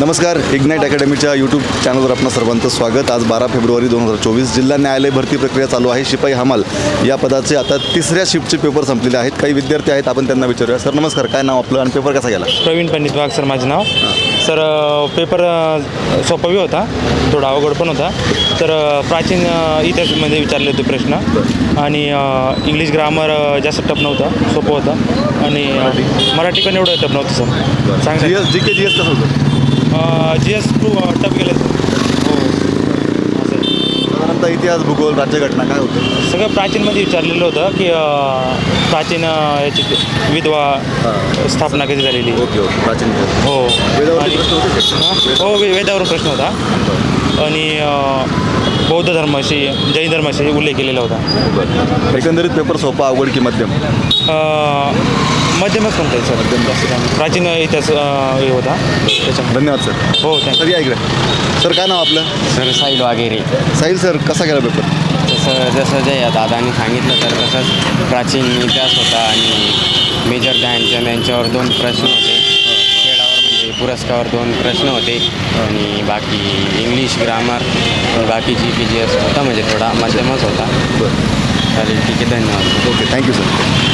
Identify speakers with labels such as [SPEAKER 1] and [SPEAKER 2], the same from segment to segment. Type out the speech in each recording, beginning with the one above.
[SPEAKER 1] नमस्कार. Ignite अकॅडमीच्या YouTube चॅनलवर आपणा सर्वांचं स्वागत. आज 12 फेब्रुवारी 2024 जिल्हा न्यायालय भरती प्रक्रिया चालू आहे. शिपाई हमाल या पदाचे आता तिसऱ्या शिफ्टचे पेपर संपलेले आहेत. काही विद्यार्थी आहेत, आपण त्यांना विचारूया. सर नमस्कार, काय नाव आपलं आणि पेपर कसा गेला?
[SPEAKER 2] प्रवीण पंडित वाघ सर माझं नाव. सर पेपर सोपा बी होता, थोडा अवघड पण होता. तर प्राचीन इतिहासामध्ये विचारले होते प्रश्न आणि इंग्लिश ग्रामर जास्त टफ नव्हता, सोपं होतं. आणि मराठी पण एवढं टफ नव्हतं सर. सांगा
[SPEAKER 1] GK GS कसं होतं?
[SPEAKER 2] GS टफ गेलं सर. हो असं
[SPEAKER 1] साधारणतः इतिहास, भूगोल, राज्यघटना काय होतं?
[SPEAKER 2] सगळं प्राचीनमध्ये विचारलेलं होतं की प्राचीन याची विधवा स्थापना कधी झालेली.
[SPEAKER 1] ओके, प्राचीन इतिहास.
[SPEAKER 2] हो
[SPEAKER 1] वेदावरती प्रश्न होते का?
[SPEAKER 2] हो वेदावरून प्रश्न होता आणि बौद्ध धर्माशी, जैन धर्माशी उल्लेख केलेला होता.
[SPEAKER 1] एकंदरीत पेपर सोपा, अवघड की मध्यम?
[SPEAKER 2] मध्यमच म्हणता येईल सर. जास्त काय नाही. प्राचीन इतिहास हे होता त्याच्यामध्ये.
[SPEAKER 1] धन्यवाद सर.
[SPEAKER 2] हो
[SPEAKER 1] सर या इकडे. सर काय नाव आपलं?
[SPEAKER 3] सर साहिल वगैरे.
[SPEAKER 1] साहिल सर, कसा गेला पेपर?
[SPEAKER 3] जसं जे दादांनी सांगितलं तर तसंच प्राचीन इतिहास होता आणि मेजर ध्यानचंद यांच्यावर 2 प्रश्न होते. खेळावर म्हणजे पुरस्कारावर 2 प्रश्न होते आणि बाकी इंग्लिश ग्रामर बाकी GS होता, म्हणजे थोडा मध्यमच होता. चालेल, ठीक आहे, धन्यवाद.
[SPEAKER 1] Okay, thank you sir.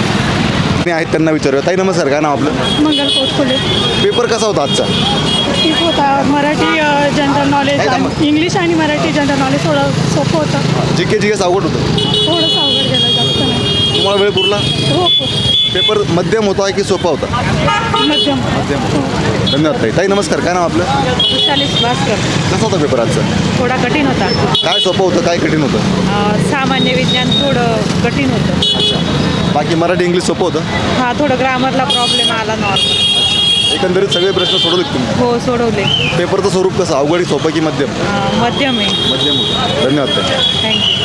[SPEAKER 1] मी आहेत त्यांना विचारूया. ताई नमस्कार, काय नाव आपलं?
[SPEAKER 4] मंगल पोतखोले.
[SPEAKER 1] पेपर कसा होता आजचा?
[SPEAKER 4] ठीक होता. मराठी जनरल नॉलेज आणि इंग्लिश आणि मराठी जनरल नॉलेज थोडं सोपं होतं.
[SPEAKER 1] GK GS अवघड होतं?
[SPEAKER 4] थोडंसं अवघड गेलं, जास्त नाही.
[SPEAKER 1] तुम्हाला वेळ पुरला?
[SPEAKER 4] हो.
[SPEAKER 1] पेपर मध्यम होता की सोपा होता?
[SPEAKER 4] मध्यम.
[SPEAKER 1] धन्यवाद ताई. ताई नमस्कार, काय नाव आपलं?
[SPEAKER 4] विशालिश भास्कर.
[SPEAKER 1] कसा होता पेपर आजचा?
[SPEAKER 4] थोडा कठीण होता.
[SPEAKER 1] काय सोपं होतं, काय कठीण होतं?
[SPEAKER 4] सामान्य विज्ञान थोडं कठीण होतं.
[SPEAKER 1] अच्छा. बाकी मराठी इंग्लिश सोपं होतं?
[SPEAKER 4] हा, थोडं ग्रामरला प्रॉब्लेम आला नॉर्मल.
[SPEAKER 1] एकंदरीत सगळे प्रश्न सोडवले तुम्ही?
[SPEAKER 4] हो, सोडवले.
[SPEAKER 1] पेपरचं स्वरूप कसं, अवघड सोपं की मध्यम?
[SPEAKER 4] मध्यम आहे.
[SPEAKER 1] मध्यम होतं. धन्यवाद ताई.
[SPEAKER 4] थँक्यू.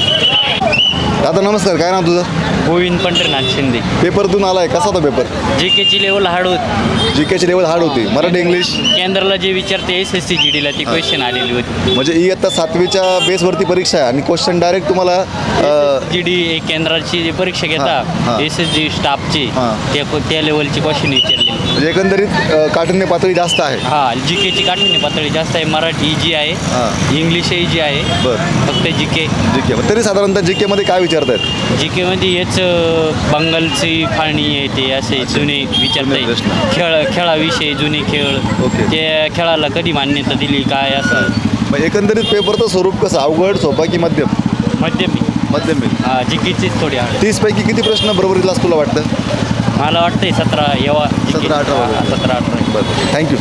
[SPEAKER 1] दादा नमस्कार, काय नाव तुझं?
[SPEAKER 2] गोविंद पंढरीनाथ शिंदे.
[SPEAKER 1] पेपरतून आलाय, कसा होता पेपर?
[SPEAKER 2] GKची लेवल हार्ड होती.
[SPEAKER 1] GKची लेवल हार्ड होती. मराठी इंग्लिश
[SPEAKER 2] केंद्राला जे विचारते SSC GDला ती क्वेश्चन आलेली होती.
[SPEAKER 1] म्हणजे इयत्ता 7वीच्या बेसवरती परीक्षा आहे आणि क्वेश्चन डायरेक्ट तुम्हाला
[SPEAKER 2] GD केंद्राची जी परीक्षा
[SPEAKER 1] हां.
[SPEAKER 2] घेता SSG स्टाफची
[SPEAKER 1] हां.
[SPEAKER 2] त्या लेवलची क्वेश्चन विचारलेली.
[SPEAKER 1] म्हणजे एकंदरीत काठिण्य पातळी जास्त आहे.
[SPEAKER 2] GKची काठीण्य पातळी जास्त आहे. मराठी जी आहे,
[SPEAKER 1] हां.
[SPEAKER 2] इंग्लिश जी आहे.
[SPEAKER 1] बरं.
[SPEAKER 2] फक्त GK
[SPEAKER 1] तरी साधारणतः GK मध्ये काय विचारतायत?
[SPEAKER 2] GKमध्ये हेच बंगालची फाळणी येते, असे जुने विचारता येईल. खेळाविषयी जुने खेळ,
[SPEAKER 1] ओके.
[SPEAKER 2] त्या खेळाला कधी मान्यता दिली काय असं.
[SPEAKER 1] मग एकंदरीत पेपरचं स्वरूप कसं, अवघड सोपा की मध्यम?
[SPEAKER 2] मध्यम
[SPEAKER 1] मध्यम.
[SPEAKER 2] GKचीच थोडी आहे.
[SPEAKER 1] 30 पैकी किती प्रश्न बरोबरीला तुला वाटतं?
[SPEAKER 2] मला वाटतंय 17 येवा.
[SPEAKER 1] 17-18.
[SPEAKER 2] 17-18.
[SPEAKER 1] बरं, थँक्यू.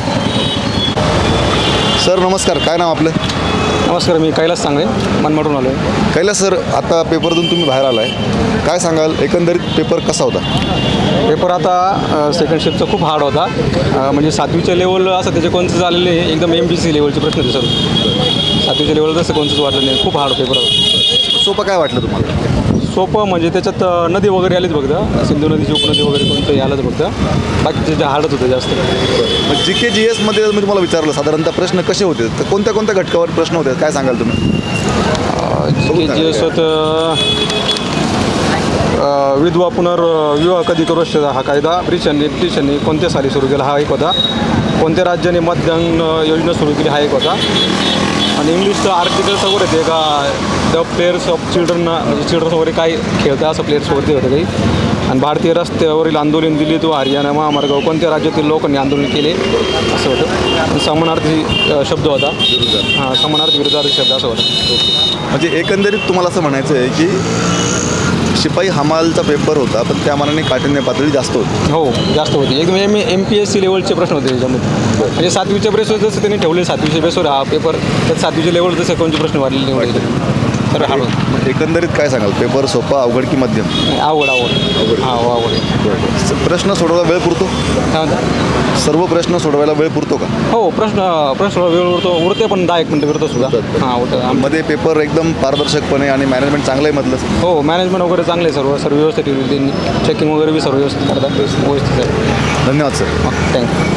[SPEAKER 1] सर नमस्कार, काय नाव आपलं?
[SPEAKER 5] नमस्कार, मी कैलास सांगळे, मनमाडून आलो आहे.
[SPEAKER 1] कैलास सर, आता पेपरतून तुम्ही बाहेर आला आहे, काय सांगाल एकंदरीत पेपर कसा होता?
[SPEAKER 5] पेपर आता सेकंड शिफ्टचा खूप हार्ड होता. म्हणजे 7वीच्या लेवल असं त्याचे कोणतेच आलेले एकदम MPC लेवलचे प्रश्न होते सर. 7वीच्या लेवल तसं कोणतंच वाटलं नाही, खूप हार्ड पेपर होता.
[SPEAKER 1] सोपं काय वाटलं तुम्हाला?
[SPEAKER 5] सोपं म्हणजे त्याच्यात नदी वगैरे आलीच बघता, सिंधू नदीची उपनदी वगैरे कोणतं आलंच बघता. बाकीचे जे हार्डच होतं जास्त.
[SPEAKER 1] मग GK GS मध्ये मी तुम्हाला विचारलं साधारणतः प्रश्न कसे होते, तर कोणत्या कोणत्या घटकावर प्रश्न होते, काय सांगाल तुम्ही?
[SPEAKER 5] GS होतं विधवा पुनर्विवाह कधी करू शकता हा कायदा ब्रिटिशांनी कोणत्या साली सुरू केला हा एक होता. कोणत्या राज्याने मतदान योजना सुरू केली हा एक होता. आणि इंग्लिशचं आर्टिकल्स वगैरे येते का द प्लेयर्स ऑफ चिल्ड्रन, म्हणजे चिल्ड्रन वगैरे काय खेळतं असं प्लेयर्स वगैरे होतं काही. आणि भारतीय रस्त्यावरील आंदोलन दिल्ली तो हरियाणा महामार्गावर कोणत्या राज्यातील लोकांनी आंदोलन केले असं होतं. आणि समानार्थी शब्द होता. हां, समानार्थी विरुद्धार्थी शब्द असं होतं.
[SPEAKER 1] म्हणजे एकंदरीत तुम्हाला असं म्हणायचं आहे की शिपाई हमालचा पेपर होता, पण त्या मानाने काठिण्य पातळी जास्त होती?
[SPEAKER 5] हो, जास्त होती. एकदम MPSC लेवलचे प्रश्न होते त्याच्यामध्ये. म्हणजे 7वीच्या बेसवर जसं त्यांनी ठेवले, 7वीच्या बेसवर हा पेपर, त्यात 7वीच्या लेवल जसं कोणते प्रश्न वाढलेले निवडले तर हार्ड होतं.
[SPEAKER 1] मग एकंदरीत काय सांगाल, पेपर सोपा, अवघड की मध्यम?
[SPEAKER 5] आवड. हां, आवड.
[SPEAKER 1] प्रश्न सोडवायला वेळ पुरतो?
[SPEAKER 5] काय म्हणता?
[SPEAKER 1] सर्व प्रश्न सोडवायला वेळ पुरतो का?
[SPEAKER 5] हो, प्रश्न वेळ उरते पण 10-1 मिनटं उरतं सुद्धा. हां, उरतं.
[SPEAKER 1] मध्ये पेपर एकदम पारदर्शकपणे आणि मॅनेजमेंट चांगलं आहे मधलं?
[SPEAKER 5] हो, मॅनेजमेंट वगैरे चांगले सर्व व्यवस्थित ठेवली त्यांनी. चेकिंग वगैरे बी सर्व व्यवस्थित करतात. व्यवस्थित आहे.
[SPEAKER 1] धन्यवाद सर.
[SPEAKER 5] थँक्यू.